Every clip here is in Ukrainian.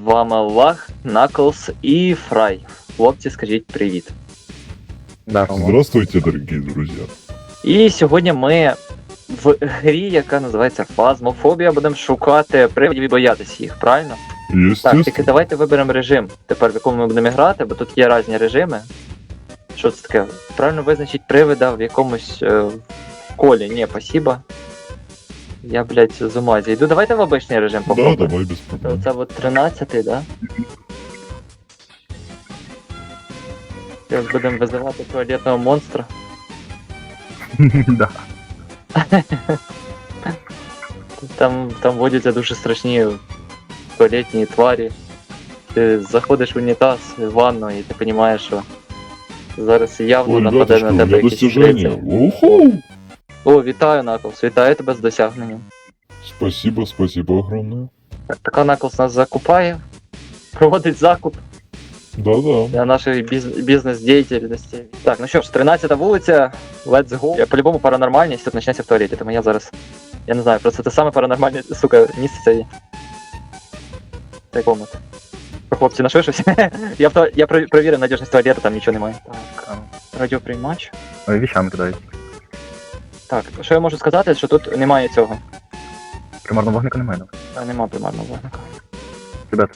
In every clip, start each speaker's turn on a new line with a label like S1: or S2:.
S1: вами Лаг, Наклз і Фрай. Хлопці, скажіть привіт.
S2: Здравствуйте, дорогие друзья.
S1: І сьогодні ми в грі, яка називається Фазмофобія, будемо шукати привидів і боятися їх, правильно? Так, тільки
S2: Естественно.
S1: давайте виберемо режим, тепер в якому ми будемо грати, бо тут є різні режими. Що це таке? Правильно визначить привида в якомусь колі. Ні, спасибо. Я, блядь, з ума зійду. Давайте в обичний режим
S2: Да,
S1: попробуємо.
S2: давай без проблем.
S1: Це от 13-й, да? Зараз будемо визивати туалетного монстра.
S3: Да.
S1: Там водяться дуже страшні туалетні тварі. Ти заходиш в унітаз, в ванну, і ти розумієш, що зараз явно
S2: Ой,
S1: нападе
S2: ребятушки,
S1: на
S2: у меня
S1: тебе якийсь
S2: достижение.
S1: рицар.
S2: Уху!
S1: О, вітаю, Наклз, вітаю тебе з досягненням.
S2: Спасибо огромное.
S1: Так, така Наклз нас закупає, проводить закуп
S2: Да-да.
S1: для нашої бізнес-діяльності. Так, ну що ж, 13-та вулиця, let's go. По-любому паранормальність тут почнеться в туалеті, тому я зараз, я не знаю, просто це саме паранормальне, сука, місце це є. Цей комнат. Хлопці, нашли щось? Я провірив надіжність туалету, там нічого немає. Так, радіоприймач.
S3: Ой, вещами кидають.
S1: Так, що я можу сказати, що тут немає цього.
S3: Примарного вогника немає.
S1: Нема примарного вогника.
S3: Ребят,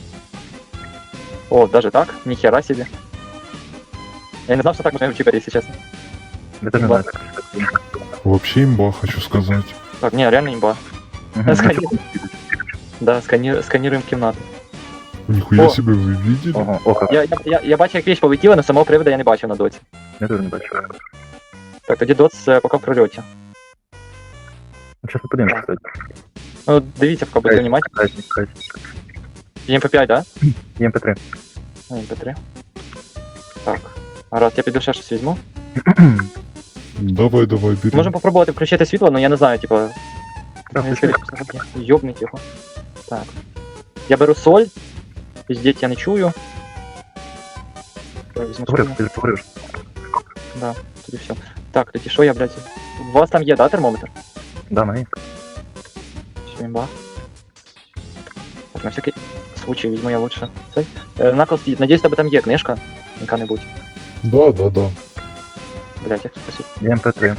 S1: О, даже так? Ніхера собі. Я не знав, що так можна вчипати, якщо чесно.
S3: я теж не знаю.
S2: Вообще имба, хочу сказать.
S1: Так, ні, реально імба.
S3: Мгм.
S1: Сканір- Да, сканіруємо кімнату.
S2: Нихуя
S1: О.
S2: себе, вы видели?
S3: Ого, око.
S1: Я бачив, як віч полетіла, але самого привода я не бачив на доці.
S3: Я теж не бачу.
S1: Так, тоді доц поки в прольоті.
S3: Ну, зараз ми подивимося, кстати.
S1: Ну, дивіться, поки буде внимательно. МП5, да?
S3: ЄМП3.
S1: МП3. Так. Раз, я піду ще щось візьму.
S2: Давай, бери.
S1: Можемо попробувати включити світло, але я не знаю, типа.
S3: включи.
S1: Йобнуть його. Так. Я беру соль. Піздіть я не чую. Так, візьму соль.
S3: Говорив, ти ж говорив.
S1: Да, тоді все. Так, тоді що я, блядь? У вас там є, да, термометр?
S3: Да, має.
S1: Що імба? Так, на всякий случай візьму я лучше цей. Наклз, надіюсь, тебе там є книжка. Яка-небудь.
S2: Да.
S1: Блядь, як спасибо.
S3: ЄМП3.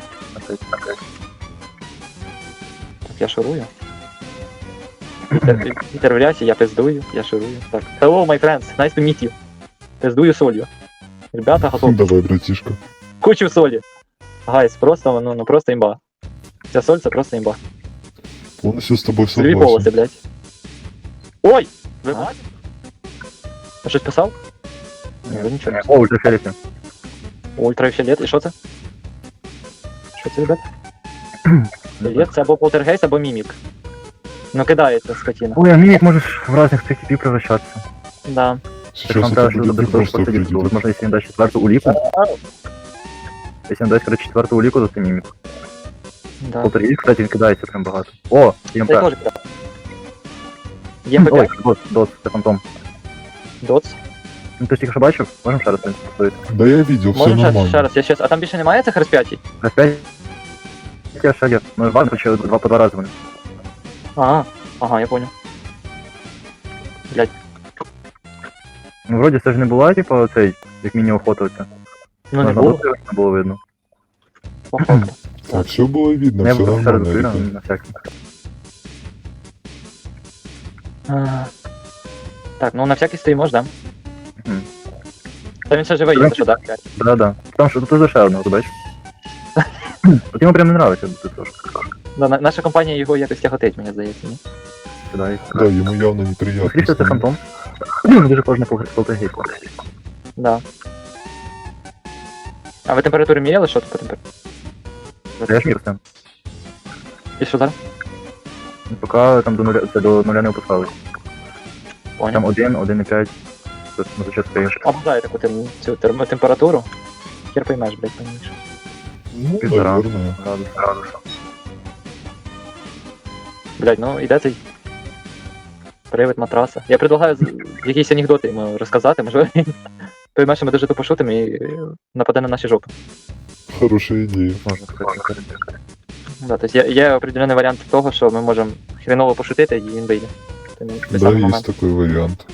S1: Так, я шурую. Вітер в рясі, я пиздую, я шурую. Так. Hello, my friends, nice to meet you. Пиздую солью. Ребята, готові.
S2: Давай, братишка.
S1: Кучу солі. Гайс, просто, ну просто імба. Ця соль це просто імба.
S2: Полностью с тобой
S1: Сольові полоси,
S2: согласен.
S1: блядь. Ой! Ви бачите? А щось писав? Ні, ви нічого не
S3: О, ультрафіолетні.
S1: Ультрафіолет, і що це? Що це, ребят? Фіолет це або полтергейст, або мімік. Ну кидається скотина.
S3: Ой, а мимик можешь в разных цих типів превращаться.
S1: Да.
S2: Сейчас
S3: Нам
S2: это
S3: треба
S2: будет не просто
S3: посадити.
S2: определить.
S3: Возможно, если им дать четверту улику. Если им дать, короче, четверту улику, то ты мимик.
S1: Да.
S3: Полтергейст, кстати, він кидається прям багато. О, ЄМП.
S1: Це теж кидав.
S3: Ой,
S1: ЄМП5,
S3: дот, це фантом.
S1: доц.
S3: Ну ти ж тільки що бачив? Можемо ще раз поставити.
S2: Да я видел, все
S1: Можемо ще
S2: нормально.
S1: раз, я щас. А там більше немає цих розп'ятій?
S3: Опять? Я ще є. Ну, важно, хоча два по два рази вони.
S1: Ага, я понял. Блять,
S3: Ну, вроді це ж не була, типу, цей, як міні-охота оця.
S1: ну не
S3: Можна
S1: було.
S3: було, не було видно.
S1: Походу.
S2: Так, все было видно,
S3: Я
S2: все
S3: б ще раз
S2: нормально,
S3: закрив,
S2: ребят.
S3: на всякий.
S1: Так, ну на всякий стоїмо, да?
S3: Мгм.
S1: Та він ще живий, якщо що, да? блядь?
S3: Да-да. Там що, тут ще одного, ти бачиш? От йому прям не нравиться, ти трошки.
S1: Да, наша компанія його якось тяготить, мені здається, ні?
S3: Сюди.
S2: Да, ему явно неприятно.
S3: Скоріше
S2: с
S3: це
S2: ним.
S3: фантом. Дуже кожне полтергейст.
S1: Да. А ви температуру міряли, що тут по температурі?
S3: Я ж мір з тим.
S1: І що зараз?
S3: Поки там до нуля не опускались.
S1: Понял.
S3: Там 1,5. Тут на зачет стоїш.
S1: Обожаю таку цю температуру. Хер поймеш, блядь, поймеш.
S2: Ну,
S3: Пизда.
S2: наверное.
S3: Градус.
S1: Блядь, ну іде цей привид матраса. Я предлагаю якісь анекдоти йому розказати, можливо, він пойме, що ми дуже тупо шутимо і нападе на наші жопи.
S2: Хорошая идея.
S3: Можна сказати.
S1: Да, тобто є определений варіант того, що ми можемо хреново пошутити і він вийде. Той
S2: Да,
S1: самий
S2: есть
S1: момент.
S2: такой вариант.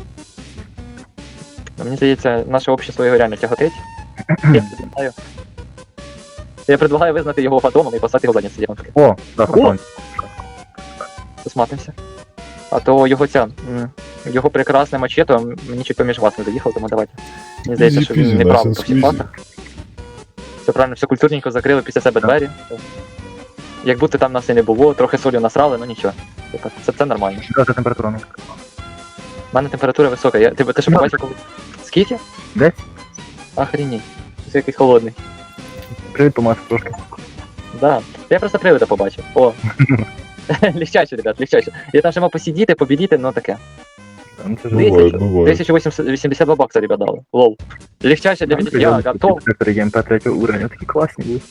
S1: Мені здається, наше общество його реально тяготить. Я предлагаю. Я предлагаю визнати його фантомом і послати його в задницю дівчинки.
S3: О, да, фантом.
S1: Посматримося. А то його його прекрасне мачето мені чуть поміж вас не доїхав, тому давайте. Мені здається, що він
S2: Easy
S1: не
S2: peasy,
S1: прав
S2: nice
S1: по
S2: and
S1: всіх
S2: squeezy.
S1: фактах. Все правильно, все культурненько закрили після себе двері. Як будто там нас і не було, трохи солі насрали, ну нічого. Типа, це нормально.
S3: Да, це температура. Ну.
S1: У мене температура висока. Ти що побачив коли? Скільки?
S3: 10.
S1: Охренеть. Це якийсь холодний.
S3: Привіт, Томас, трошки.
S1: Да. Я просто привида побачив. О. Легчаче, ребят, легчаче. Я там ще мав посидіти, побідіти, ну таке.
S3: Ну, це ж
S2: Бывает, бывает.
S1: 1082 бакса, ребят, дали. Лол. Легчаче для меня. Я готов.
S3: Векторы ГМП 3 уровня, такі класні були.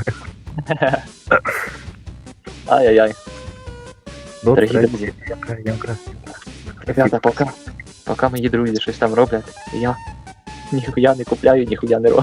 S1: Ай-яй-яй.
S3: Добре,
S1: Дорогі друзі.
S3: ГМК.
S1: Ребята, поки мої друзі щось там роблять, я ніхуя не купляю, ніхуя не роблю.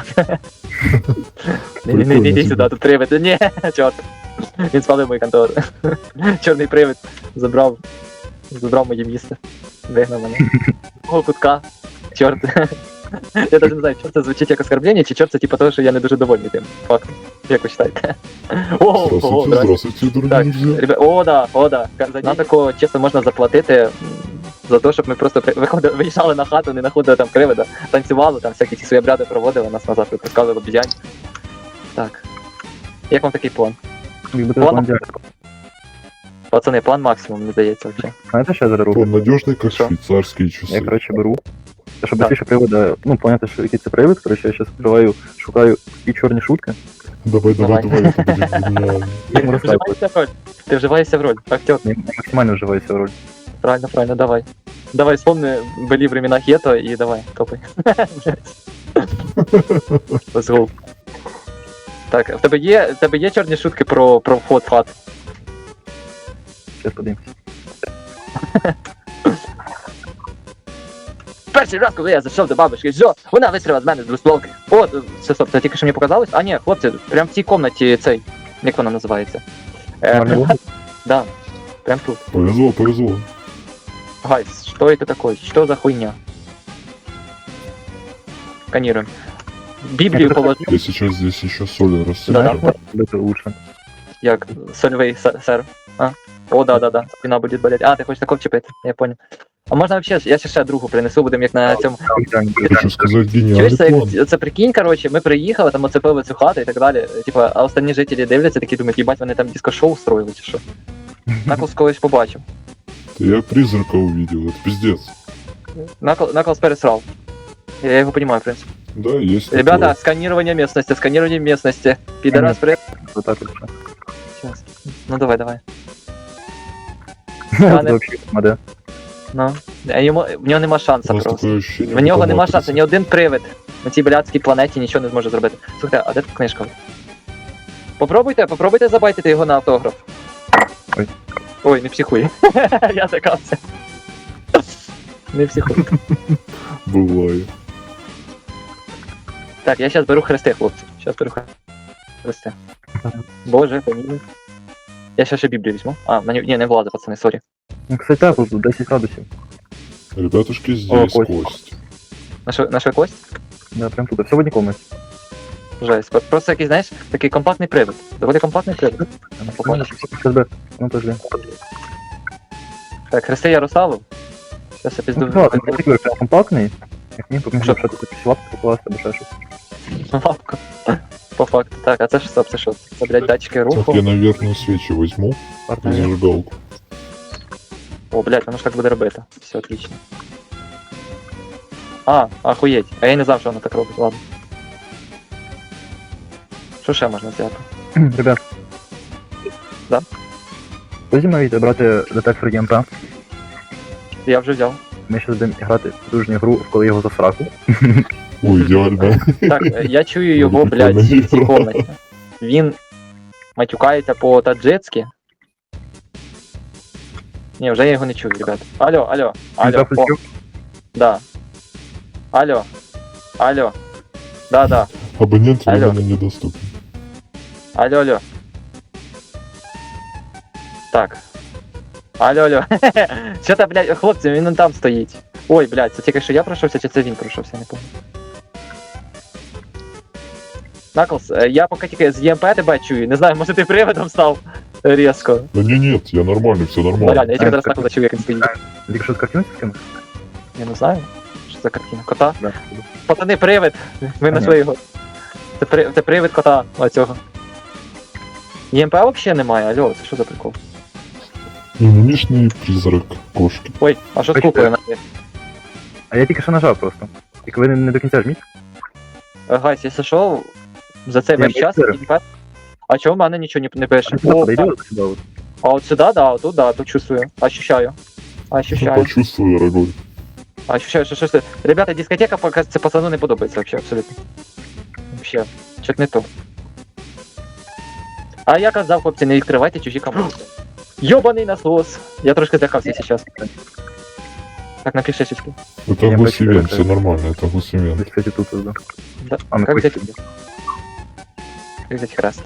S1: Не йди сюди, тут привид. Ні, чорт. Він спалив мою контору. Чорний привид забрав моє місце. Вигнав мене. Мого кутка. Чорт. Я навіть не знаю, чорт це звучить як оскорблення, чи чорт це типу того, що я не дуже довольний тим. Факт. Як ви вважаєте? Ого,
S2: Здравствуйте, здравствуйте, дорогие
S1: Так,
S2: друзья.
S1: ребят, о, да. Нам такого чесно можна заплатити за те, щоб ми просто виїжджали на хату, не знаходили там кривида, танцювали, там всякі ці свої обряди проводили, нас назад випускали в обізянь. Так. Як вам такий план?
S3: Якби ти
S1: Ладно.
S3: план дякую.
S1: Пацани, план максимум, мені здається, взагалі.
S3: Знаєте, що я зараз роблю?
S2: Он надежный, как
S1: Что?
S2: швейцарские
S3: Я,
S2: часы.
S3: коротше, беру. Та, щоб
S1: Так.
S3: більше привода, ну, поняти, що який це привид, коротше, я зараз відкриваю, шукаю і чорні шутки.
S2: Давай,
S1: Давай.
S2: это будет гениально.
S3: Їм розказую.
S1: Вживаєшся в роль. Ти вживаєшся в роль. Актер.
S3: Я максимально вживаюся в роль.
S1: Правильно, давай. Давай, вспомни, были времена Хето и давай, топай. Let's go. Так, в тебе є чорні шутки про вход в хат?
S3: Зараз подивимось.
S1: Перший раз, коли я зайшов до бабушки, що вона вистріла з мене з двостволки. О, це стоп, це тільки що мені показалось? А ні, хлопці, прям в цій комнаті цей, як вона називається?
S3: Нормально?
S1: Да, прям тут.
S2: Повезло, повезло.
S1: Гайс, что это такое? Что за хуйня? Сканируем. Библию положи.
S2: Я сейчас здесь еще соль
S1: Да,
S2: рассыплю.
S1: да.
S3: Буде лучше.
S1: Як сольвей сэр. А? О, да. Спина будет болеть. А, ти хочеш такого вчепити, я понял. А можна вообще, я ще другу принесу, будемо як на цьому.
S2: Хочу сказать,
S1: Чуєш,
S2: гениальный
S1: це,
S2: план.
S1: це прикинь, короче, ми приїхали, там оцепили цю хату і так далі. Типа, а останні жителі дивляться, такі думають, їбать, вони там диско-шоу строїли чи що. Наклз колись побачив.
S2: Я призрака увидел, это пиздец.
S1: Наклз пересрав. Я його понимаю, в принципе.
S2: Да, есть
S1: Ребята,
S2: такое.
S1: сканирование местности. Пидорас, привет.
S3: Отак от все.
S1: Сейчас. Ну давай.
S3: Це взагалі моде.
S1: Ну. В нього нема шанса
S2: У нас
S1: просто.
S2: такое ощущение.
S1: В нього
S2: что
S1: нема
S2: матрица.
S1: шансу, ні один привид на цій блядській планеті нічого не зможе зробити. Слухайте, а де тут книжка? Попробуйте забайтити його на автограф.
S3: Ой.
S1: Ой, не психуй. Я закався. Не психуй.
S2: Бывает.
S1: Так, я зараз беру хрести, хлопці. Зараз беру хрести. Боже, помилуй. Я ще Біблію візьму. А, ні, не влазить, пацани, сорі.
S3: Ну, кстати, так, тут 10 градусів.
S2: Ребятушки, здесь
S3: кость.
S2: кость.
S1: Наша кость?
S3: Да, прям тут. Все в одній комнаті.
S1: Жесть. Просто якийсь, знаєш, такий компактний привид. Доволі компактний привид.
S3: Нормально, щас бе. Ну, подожди.
S1: Так, хрести Ярославу. Зараз я пізду.
S3: Ну, так, він такий прям компактний. Як мені поміг, що тут якісь лапки покласти, або ще щось.
S1: Лапку. По факту. Так, а це ж стоп, це що? Це, блядь, датчики
S2: Так,
S1: руху.
S2: я, наверное, свечи возьму и
S3: Парня.
S2: зажигалку.
S1: О, блядь, воно ж так буде робити. Все отлично. А, охуєть. А я не знав, що воно так робить, ладно. Що ще можна взяти?
S3: Ребят.
S1: Да?
S3: Ви зі мною йдете брати детектор ЄМП.
S1: Я вже взяв.
S3: Ми ще будемо грати в дружню гру, коли його за сраку.
S2: Ой, идеально.
S1: Так, я чую його, блядь, в цій комнаті. Він матюкається по-таджицьки. Ні, вже я його не чую, ребят. Алло. О, да. Алло. Да.
S2: Абонент
S1: Алло.
S2: временно недоступен.
S1: Алло. Так. Алло. Що та, блядь, хлопці, він он там стоїть. Ой, блядь, це тільки що я пройшовся, чи це він пройшовся, не пам'ятаю. Наклз, я поки тільки з ЄМП тебе чую, не знаю, може ти приводом став різко.
S2: Да не, нет, я нормальный, все
S1: Ну,
S2: нормально.
S1: реально, я тільки зараз Наклза чую, як він стоїть.
S3: Тільки що з картинки скинув?
S1: Я не знаю, що за картина. Кота?
S3: Да.
S1: Пацани, привид! Ми знайшли його. Це привид кота оцього. ЄМП взагалі немає, алло, це що за прикол?
S2: Мимимишный призрак кошки.
S1: Ой, а що з
S3: Бачите?
S1: куклою?
S3: А я тільки що нажав просто. Тільки ви не до кінця жміть.
S1: Гайс, якщо що, за цей весь
S3: Ні,
S1: час
S3: бачите?
S1: ЄМП... А чого в мене нічого не пише?
S3: А сюди
S1: О,
S3: подойди от сюди. От.
S1: а от сюди, да, тут, да, тут чувствую. Ощущаю.
S2: Ну,
S1: Ощущаю.
S2: почувствуй, дорогой.
S1: Ощущаю, що щось... Ребята, дискотека, поки це пацану не подобається вообще, абсолютно. Вообще, чуть не то. А я казав, хлопці, не відкривайте чужі команди. Йобаний насос! Я трошки злякався зараз. Так, напиши чуть.
S2: Это
S3: Я
S2: гусевен,
S3: почти
S2: все нормально, это гусевен.
S3: Десь, кстати, тут ось, да.
S1: Да.
S3: А ми
S1: Как
S3: хочемо.
S1: взять? Как взять хрест?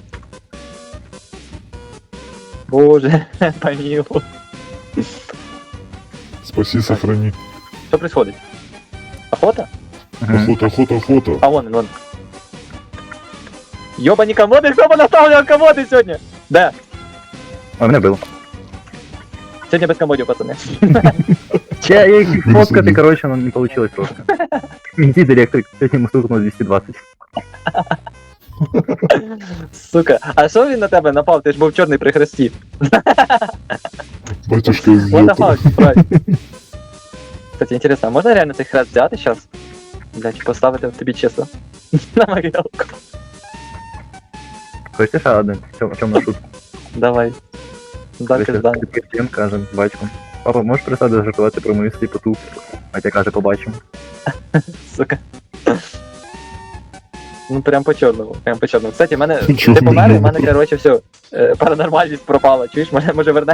S1: Боже, помилуй.
S2: Спаси, сохрани.
S1: Что происходит? Охота?
S2: Охота.
S1: А вон, вон. Ёбані комоди, хто понаставляв комоди сьогодні? Де?
S3: А мене було.
S1: Сьогодні без комодів, пацани.
S3: Я їх
S2: Ну,
S3: фоткати,
S2: сиди.
S3: коротше, ну не получилось просто. Іди, директор, сьогодні йому стукнуло 220.
S1: Сука, а що він на тебе напав? Ти ж був чорний при хресті.
S2: Батюшка из
S1: What the
S2: гетто.
S1: fuck, правильно. Кстати, интересно, а можна реально цей хрест взяти зараз? Блять, поставити тобі чисто. На могилку.
S3: Хочеш ще один? В чому на шутку?
S1: Давай. Да, пизда.
S3: Всім кажем, батьком. Папа, можеш перестати жартувати про мою сліпоту? Хотя каже, побачимо.
S1: Сука. Ну прям по чорному, прям по чорному. Кстати, в мене
S2: Чорному.
S1: ти помер, і в мене, короче, все. Паранормальність пропала. Чуєш, може вернеш?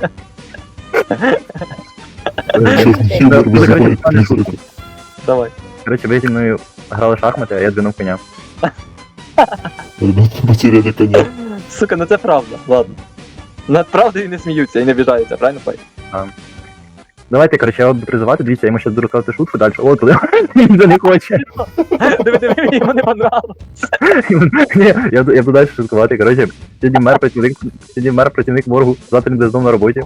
S2: Черный
S3: Да,
S2: юмор вызывает
S3: короче,
S2: призрака.
S1: Давай.
S3: Коротше, ви зі мною грали в шахмати, а я двинув коня.
S2: Ребята потеряли коня.
S1: Сука, ну це правда, ладно. Над правдою не сміються і не обіжаються, правильно, Пай?
S3: Давайте, коротше, я буду призивати, дивіться, я йому зараз буду розказувати шутку далі. О, туди. Він не хоче.
S1: Диви, йому не понравилось.
S3: Ні, я буду далі шуткувати. Коротше, сьогодні мер працівник моргу, завтра він буде знову на роботі.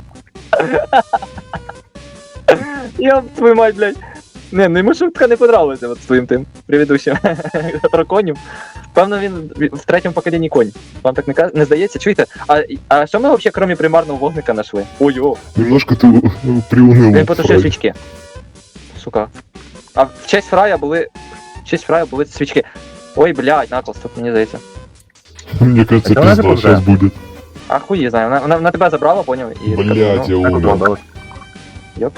S1: Я твою мать, блядь. Не, ну йому шутка не понравилася от з твоїм тим предыдущим про конів. Певно, він в третьому поколінні конь. Вам так не здається? Чуєте? А що ми взагалі, крім примарного вогника, знайшли? Ой-о,
S2: Немножко ты приуныл.
S1: він потушив
S2: Фрай.
S1: свічки. Сука. А в честь Фрая були свічки. Ой, блядь, Наклз, тут мені здається.
S2: Мне кажется,
S3: Это она
S2: пизда
S3: же
S2: сейчас будет.
S1: А хуй знаю, вона тебе забрала, поняв? І
S2: Блядь, я
S3: Так от
S2: умер.
S3: згадалось.
S1: Йоп.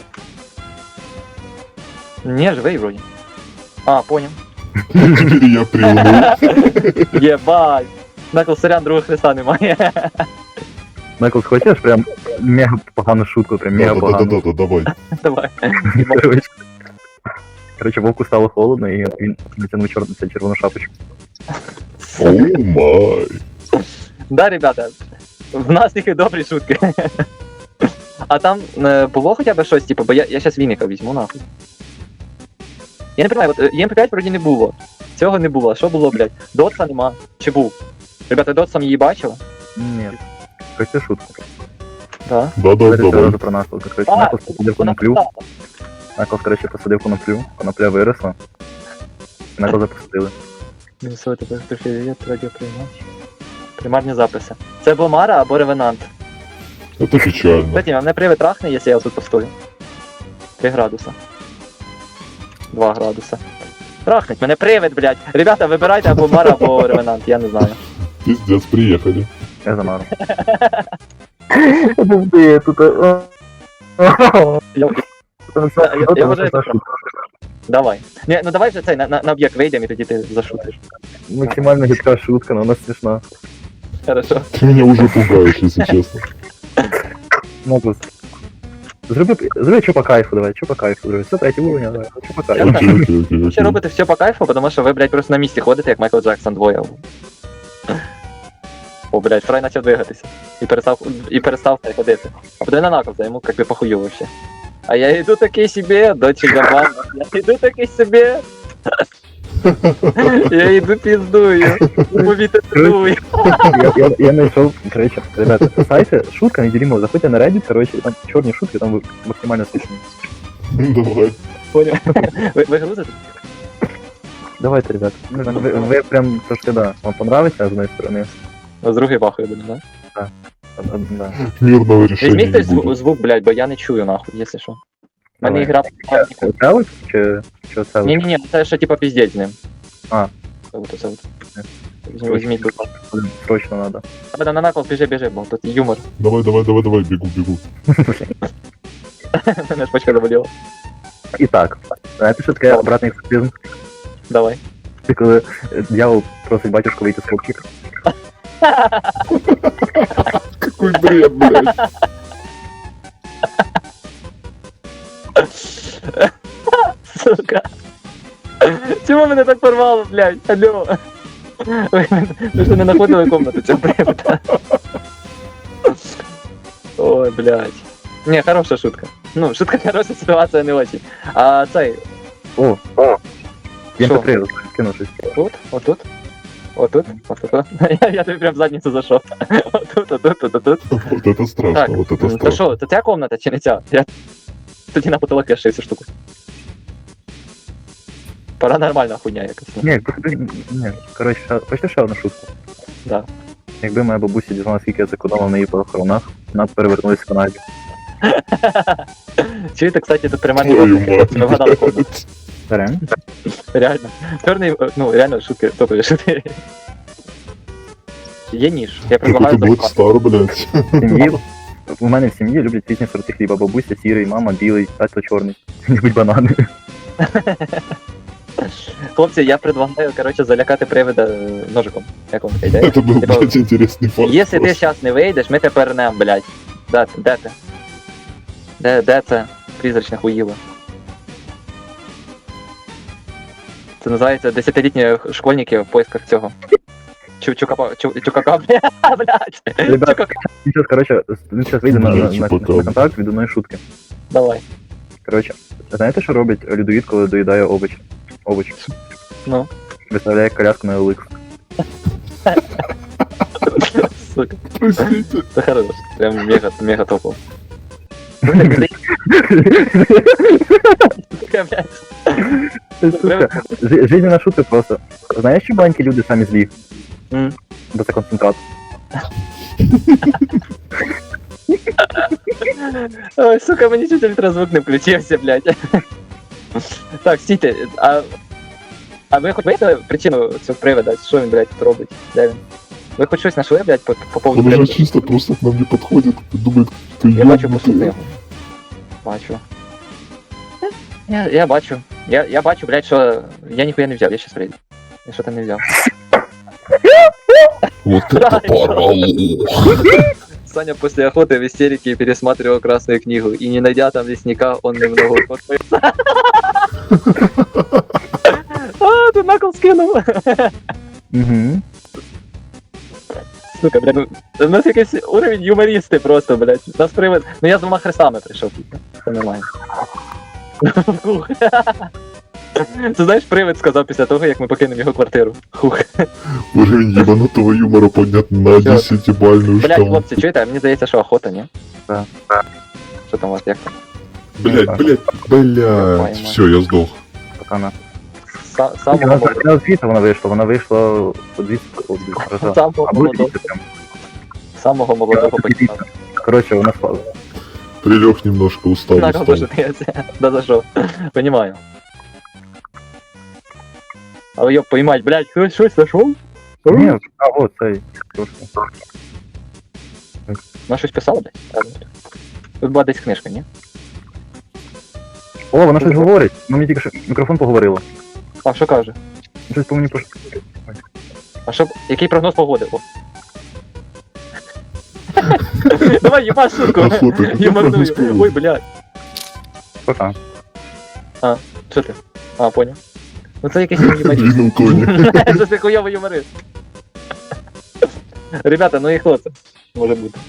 S1: Не, живий вроді. А, поняв.
S2: Теперь я приуныл.
S1: Єбать. Наклз, сорян, другого хреста немає.
S3: Майкл, хочеш прям мега погану шутку, прям мега погану.
S2: Да-да-да, давай.
S1: Давай.
S3: Коротше, вовку стало холодно, і він натягнув червону шапочку.
S2: Оу май.
S1: Да, ребята, в нас тільки добрі шутки. А там було хоча б щось, типу, бо я щас Вінника візьму, нахуй. Я не розумію, от ЄМП5 вроді не було. Цього не було. Що було, блядь? Дотса нема. Чи був? Ребята, Дотсом її бачили?
S3: Ні. Хочете шутку?
S1: Да.
S2: Да-да, давай.
S3: Одразу про наслідок. Коротше, Майкл посадив
S1: вона
S3: коноплю.
S1: писала.
S3: Майкл, коротше, посадив коноплю. Конопля виросла. І Майкл запустили.
S1: Мінусуйте привіт, радіоприймач. Примарні записи. Це або Мара, або Ревенант.
S2: Это печально.
S1: Кстати, мене привид трахне, якщо я тут постою. 3 градуса. 2 градуса. Трахнуть, мене привид, блядь. Ребята, вибирайте або Мара, або Ревенант, я не знаю.
S2: Пиздец, приехали.
S3: Я замару. Де тут?
S1: Я вважаю, це Давай. Ні, ну давай вже цей, на об'єкт вийдемо і тоді ти зашутиш.
S3: Максимально гидка шутка, но вона смішна.
S1: Хорошо.
S2: Ты меня уже пугаешь, если честно.
S3: Майкл, зроби що по кайфу, давай, що по кайфу, зроби. Це третій уровень, давай, що по кайфу.
S2: Окей.
S1: Ще робите все по кайфу, тому що ви, блядь, просто на місці ходите, як Майкл Джексон двоє. О, блядь, Фрай почав двигатися. І перестав ходити. А подивись на Наклза, йому как би похую вообще. А я йду такий собі, дочі Габан, я йду такий собі. Я йду піздую, повітря дую.
S3: Я нашел, короче, ребята, сайты, шутка неделимого, заходите на Reddit, короче, там черные шутки, там максимально смешные.
S2: Давай.
S1: Понял? Ви грузите?
S3: Давайте, ребят, вы прям, то что да, вам понравится, с одной стороны,
S1: З другої бахою буде, да?
S3: да.
S2: Мирного решения
S1: Візьміть
S2: не
S1: хтось
S2: будет.
S1: звук, блядь, бо я не чую нахуй, якщо що. У мене
S3: Давай.
S1: ігра...
S3: Целый? Че целый?
S1: Ні-ні-ні, це ще типа піздець з ним.
S3: А.
S1: Це от. Візьміть, будь ласка.
S3: Блин, срочно надо.
S1: Тебе на накол біжи, бо тут юмор.
S2: Давай, бегу.
S1: Мене ж почка заболіла.
S3: Итак, знаєте, що таке обратний екзорцизм?
S1: Давай.
S3: Це коли дьявол просить батюшку вийти з хлопчика.
S2: Какой бред, блядь.
S1: Сука. Чому мене так порвало, блядь? Алло. Ви ж не знаходили комнату цього привода. Ой, блядь. Не, хорошая шутка. Ну, шутка хорошая, ситуация не очень. А цей,
S3: О,
S1: Що?
S3: МП3 скинув щось.
S1: тут, отут, отут, отут. Я тобі прям в задницю зайшов. Отут.
S2: Вот это страшно,
S1: Так,
S2: вот это
S1: то
S2: страшно.
S1: що, це ця комната чи не ця? Я тоді на потолок вішаю цю штуку. Паранормальна хуйня якась.
S3: Ні, коротше, хочете ще одну шутку?
S1: Да.
S3: Якби моя бабуся дізналася, скільки я зекономив на її похоронах, вона б перевернулася в Канаді.
S1: Чуєте, кстати, тут примерно
S2: Твою мать.
S1: ми вгадали комнату.
S3: Реально?
S1: Реально. Чорний, ну, реально шутки, топові шутки. Є ніж. Я предлагаю
S2: Какой-то Black
S1: запхати.
S2: Star, блядь.
S3: В сім'ї, у мене в сім'ї люблять різні сорти хліба. Бабуся сірий, мама білий, тато чорний. Любить банани.
S1: Хлопці, я предлагаю, короче, залякати привида ножиком. Як вам така ідея?
S2: Это был,
S1: Типа,
S2: блядь, интересный факт.
S1: Якщо ти
S2: просто.
S1: зараз не вийдеш, ми тебе пернем, блядь. Де ти? Де це? Призрачне хуїло. Це називається 10-літні школьники в поисках цього. Чукака, блядь.
S3: Ребят,
S1: Чукака.
S3: він зараз вийде на
S2: Чупакабра.
S3: контакт від одної шутки.
S1: Давай.
S3: Коротше, знаєте, що робить людоїд, коли доїдає овоч?
S1: Ну.
S3: Виставляє коляску на еликс.
S1: Сука.
S2: Простите.
S1: Це хорош. Прям мега топово. Сука, блядь.
S3: Сука, жизненна шутка просто. Знаєш, що маленькі люди самі злі?
S1: М.
S3: Бо це концентрат.
S1: Ой, сука, мені чуть ультразвук не включився, блядь. Так, стійте, а ви хоч бачите причину цього привода? Що він, блядь, тут робить? Де він? Ви хоч щось знайшли, блядь, по поводу
S2: Он уже
S1: привода?
S2: чисто просто к нам не подходит и думает, что
S1: Я бачу по
S2: ёбнутый.
S1: книгу. Бачу. Я бачу. Я бачу, блядь, що я ніхуя не взяв, я щас прийду. Я що там не взяв.
S2: Вот это
S1: Да,
S2: порвало.
S1: Саня после охоты в истерике пересматривал Красную книгу, и не найдя там лесника, он немного успокоился. А, ты накол скинул.
S3: Угу.
S1: Сука, блядь, ну, у нас якийсь уровень юмористи просто, блядь. Нас привид. Ну я з двома хрестами прийшов, типа. Це нормально. Хух. Ти знаєш, привид сказав після того, як ми покинемо його квартиру. Хух.
S2: Уровень ебанутого юмора поднят на
S1: Всё.
S2: 10-бальную
S1: Блядь,
S2: шкалу.
S1: хлопці, чуєте, мені здається, що охота, ні?
S3: Да.
S1: Що там у вас, як там?
S2: Блядь. Все, я сдох.
S3: Покана.
S1: Самого молодого.
S3: Вона звідти вона вийшла по 200 разів.
S1: Самого
S3: Або
S1: молодого.
S3: 200 прям.
S1: Самого молодого покидав.
S3: Коротше, вона спала.
S2: Прилег немножко устал.
S1: Накол тоже да зашел. Понимаю. А вы ёб поймать, блядь, кто что зашел?
S3: Ні, от цей. Трошки.
S1: На щось писала, блядь? Тут була десь книжка, ні?
S3: О, вона щось говорить. Ну мені тільки що мікрофон поговорила.
S1: А що каже?
S3: Щось по мені пош...
S1: А що, який прогноз погоди? О. Давай, ебаш шутку.
S2: Охота, какой
S1: Юморную.
S2: прогноз погоды?
S1: Ой, блядь.
S3: Пока.
S1: Що ти? А, понял. Ну це якийсь юморist.
S2: Винул коник.
S1: Це ти хуйовий юморист. Ребята, ну і хто це може бути?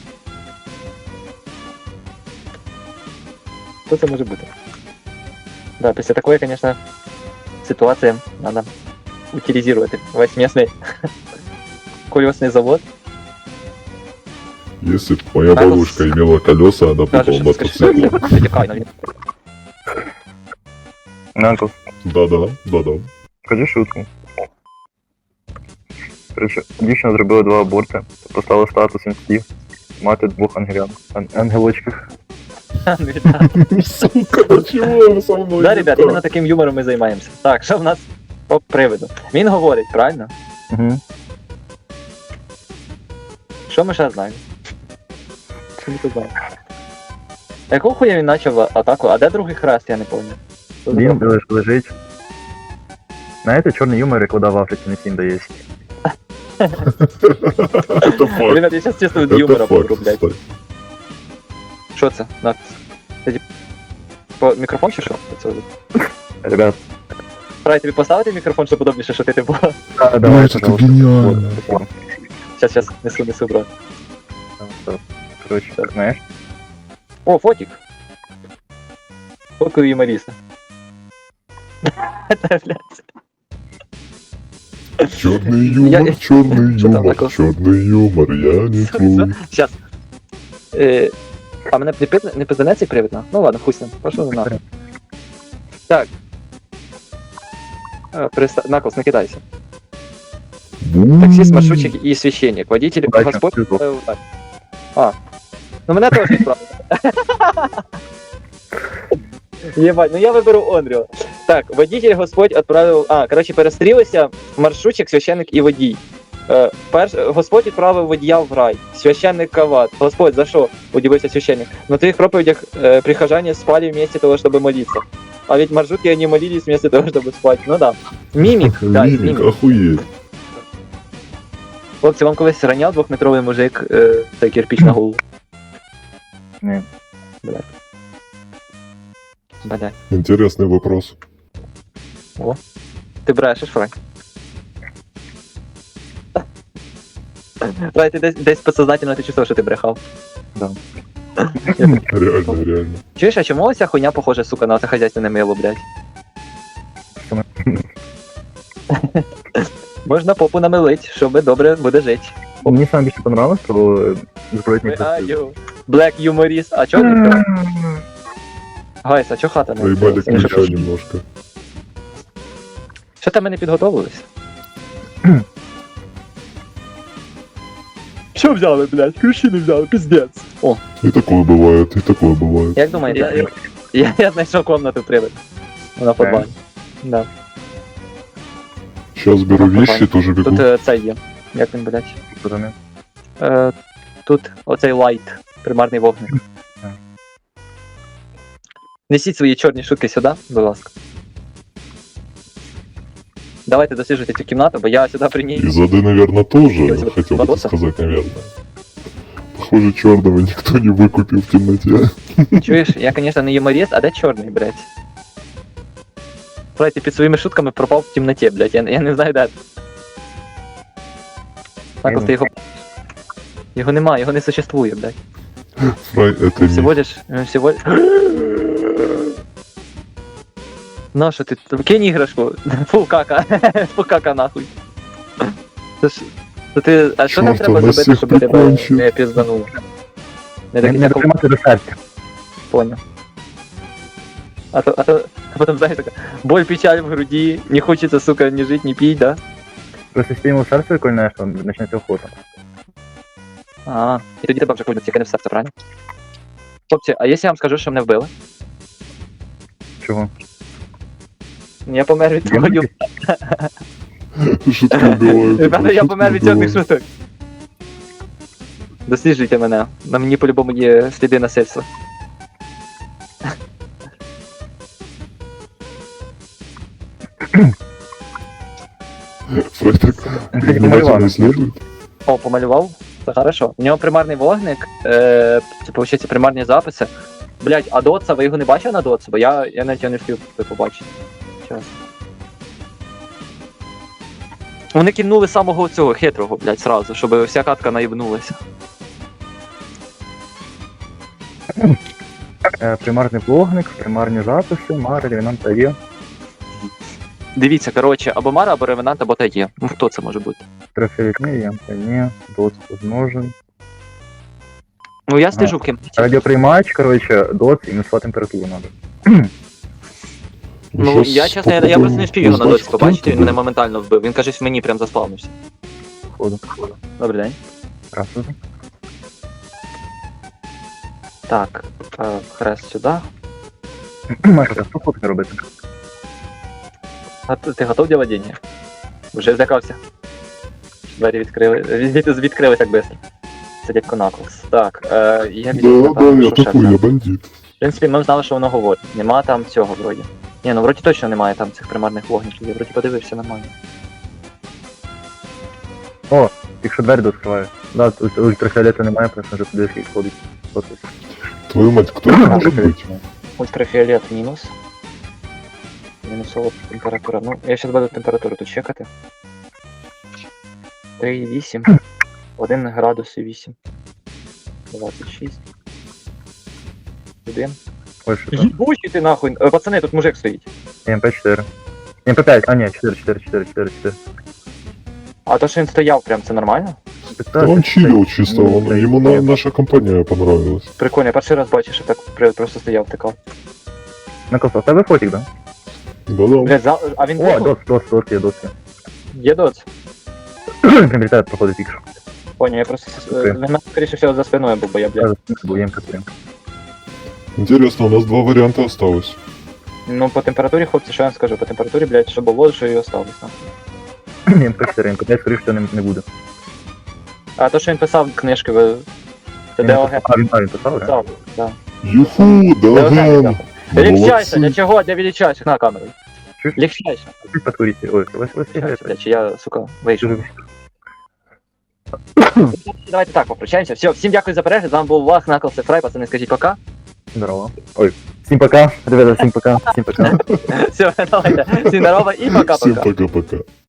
S1: Хто це може бути? Да, після такої, звісно, ситуації треба утилізувати весь місний колесний завод.
S2: Если б моя
S1: Наклз.
S2: бабушка имела колеса, она бы
S1: Каже,
S2: был
S1: що ти скажеш,
S2: мотоцикл.
S1: витікай на він.
S3: Наклз,
S2: Да-да.
S3: скажи шутку. Короче, дівчина зробила 2 аборти, поставила статус інстів, мати 2 ангелочків.
S2: Сука, чего со мной?
S1: Да,
S2: не
S1: ребят,
S2: так?
S1: іменно таким юмором ми займаємося. Так, що в нас по приводу? Він говорить, правильно?
S3: Угу.
S1: Що ми ще знаємо? Що ми тут знаємо? Якого хуя він почав атаку? А де другий хрест, я не пам'ятаю.
S3: Він лежить. Знаєте, чорний юмор, як вода в Африці не всім дається.
S2: Это факт.
S1: Ребят, я зараз чисто від юмора
S2: Это факт,
S1: помру, блядь.
S2: кстати.
S1: Що це? На. Ти по мікрофон чи що? Це вже?
S3: Ребят,
S1: Правильно, тобі поставити мікрофон, щоб удобніше шутити було?
S3: давай,
S2: это
S3: пожалуйста.
S2: гениально.
S3: Вот,
S1: Щас, несу, брат.
S3: Короче, знаєш,
S1: О, фотик. Фоткаю юмориста. Це, блядь.
S2: Черный
S1: Я-
S2: юмор, черный
S1: Что там
S2: юмор,
S1: такое?
S2: черный юмор, я не твой.
S1: Щас. А мене не пизданець цей привід, на? Ну ладно, хуй з ним. Пошов нахуй. Так. Наклз, не кидайся. Таксист, маршрутчик и священник. Водитель,
S3: Удачи,
S1: Господь...
S3: всего.
S1: так. А. Ну мене теж відправили. Єбать, ну я виберу Онріо. Так, водитель Господь відправив... А, коротше, перестрілися маршрутчик, священник і водій. Господь відправив водія в рай. Священник кават. Господь, за що? Удивився священник. На твоих проповедях прихожане спали вместе того, чтобы молиться. А ведь маршрутки они молились вместо того, чтобы спать. Ну да. Мімік, да,
S2: Мимик,
S1: мімік.
S2: охуеть.
S1: Хлопці, вам колись раняв двохметровий мужик цей кирпич на голову?
S3: Ні.
S1: Блядь.
S2: Интересный вопрос.
S1: Ти брешеш, Франк? Франк, ти десь підсознательно ти чувствував, що ти брехав.
S2: Реально.
S1: Чуєш, а чому оця хуйня похожа, сука, на це хазяйственне мило, блядь?
S3: Чому?
S1: Можна попу намилить, щоб добре буде жити.
S3: Мені саме більше понравилось про збройні
S1: Аю, Black юморіст. А чого не? Гайс, а чого хата не?
S2: Проебали
S1: відкрилася?
S2: ключа немножко.
S1: Що там ми не підготовились? Що взяли, блядь? Ключі не взяли, пиздец. О,
S2: И такое бывает, и такое бывает.
S1: як думаєте? Я знайшов комнату привид. Вона в подвалі. Да.
S2: Сейчас беру
S1: Ага,
S2: вещи, тоже бегу.
S1: Тут це є. Як він, блядь?
S3: Розумію.
S1: Тут оцей лайт, примарний вогник.
S3: Так.
S1: Несіть свої чорні шутки сюди, будь ласка. Давайте досліджуйте цю кімнату, бо я сюди приніс.
S2: И зады, наверное, тоже,
S1: Я тебе
S2: хотел бы
S1: бороться?
S2: сказать, наверное. Похоже, черного никто не выкупил в темноте.
S1: Чуєш, я, звісно, не юморіст, а де чорний, блядь? Блядь, ти під своїми шутками пропав в темноті, блядь, я не знаю, де ти. Так, ти його... Його нема, його не существує, блядь.
S2: Фрай, это
S1: Всего
S2: не...
S1: лишь... Всего... На що ти? Кинь іграшку. Фу, кака. Фу, кака нахуй. Це ж... То ти... А що нам
S2: Чорт,
S1: треба
S2: у нас
S1: зробити,
S2: всіх
S1: щоб тебе
S2: прикончить.
S1: не піздануло? Не
S3: Не
S1: так, як
S3: дотримати до серця.
S1: понял. А то потом, знаешь, такая, боль, печаль в груди, не хочется, сука, ни жить, ни пить, да?
S3: Просто якщо йому серце викольне, що почнеться охота.
S1: І тоді тебе вже ходять тільки не в серце, правильно? Хлопці, а якщо я вам скажу, що мене вбили?
S3: Чого?
S1: Я помер від того,
S3: Демоники?
S2: Шутки убивают.
S1: ребята, я
S2: шутки
S1: помер від чорних
S2: убивают.
S1: шуток. Досліджуйте мене, на мені по-любому є сліди насильства.
S2: Фрай так
S3: Кстати,
S2: внимательно
S3: помалював.
S2: исследует.
S1: О, помалював? Це хорошо. У нього примарний вогник, це, виходить, примарні записи. Блять, а Дотса, ви його не бачили на Дотса? Бо я навіть його не встиг побачити. Чесно. Вони киднули самого цього хитрого, блядь, сразу, щоб вся катка наїбнулася.
S3: Примарний вогник, примарні записи, Мара, Ревенанта є.
S1: Дивіться, коротше, або Мара, або Ревенант, або Тає. Ну хто це може бути?
S3: Трафілітні, ямка ні, доц возможен.
S1: Ну я стежу в кімнаті.
S3: Радіоприймач, коротше, доц і мінусова температуру надо.
S1: Ну я чесно, я просто не встиг його на доці побачити, він мене моментально вбив. Він каже, в мені прям заспавнився.
S3: Походу.
S1: Добрий день.
S3: Красиво.
S1: Так, хрест сюди.
S3: Маша, що фотки робити?
S1: А ти готов делать деньги? Вже злякався. Двері відкрились так быстро. Це дядько Наклз. Так, я візьму
S2: Да, я
S1: що ще
S2: такой,
S1: там?
S2: я бандит.
S1: В принципі, ми знали, що воно говорить. Нема там цього вроді. Ні, ну вроді точно немає там цих примарних вогників. Я вроді подивився нормально.
S3: Якщо двері дооткриваю. Да, тут ультрафіолету немає, просто вже туди скільки ходить.
S2: Твою мать, кто это может быть?
S1: Ультрафіолет мінус. Мінусова температура. Ну, я зараз буду температуру тут чекати. 3,8. 1 градус і 8. 26. 1.
S3: Ой, що там?
S1: Їбучий ти нахуй. Пацани, тут мужик стоїть.
S3: МП4. МП5, а ні, 4.
S1: А то, що він стояв прям, це нормально?
S2: Да он чилил чисто, ему наша компания понравилась.
S1: Прикольно, я перший раз бачу, що так просто стояв тикав.
S3: Накос, у тебе фотик, да?
S2: Да-да.
S1: Блядь, а він
S3: О, доц є.
S1: Є доц?
S3: Прилітає, проходить тільки що.
S1: Понял, я просто в мене, скоріше всього, за спиною був, бо я, блядь.
S3: Був МП3.
S2: Интересно, у нас два варианта осталось.
S1: Ну, по температурі, хлопці, що я вам скажу, по температурі, блядь, що було, що і осталось. Нахуй.
S3: МП4, МП5, скоріше, що не буде.
S1: А то, що він писав книжки, це ДОГ
S3: А, він писав, да?
S1: писав, да.
S2: Юху,
S1: ДОГ
S2: Даген.
S1: писав. Легчайся, для чого? Для величайших на камеру.
S3: Чуть?
S1: Легчайся.
S3: Чуть покурите. Ой, ось сигарета.
S1: Блядь, чи я, сука, вийшов.
S3: Чужий.
S1: Давайте так, попрощаємося. Все, всім дякую за перегляд, з вами був Вах, Наклз і Фрай, пацани, скажіть пока.
S3: Здорово. Ой. Всім пока. Ребята, всім пока. Всім пока.
S1: Все, давайте, всім здорово і
S2: Всем
S1: пока-пока.
S2: пока-пока.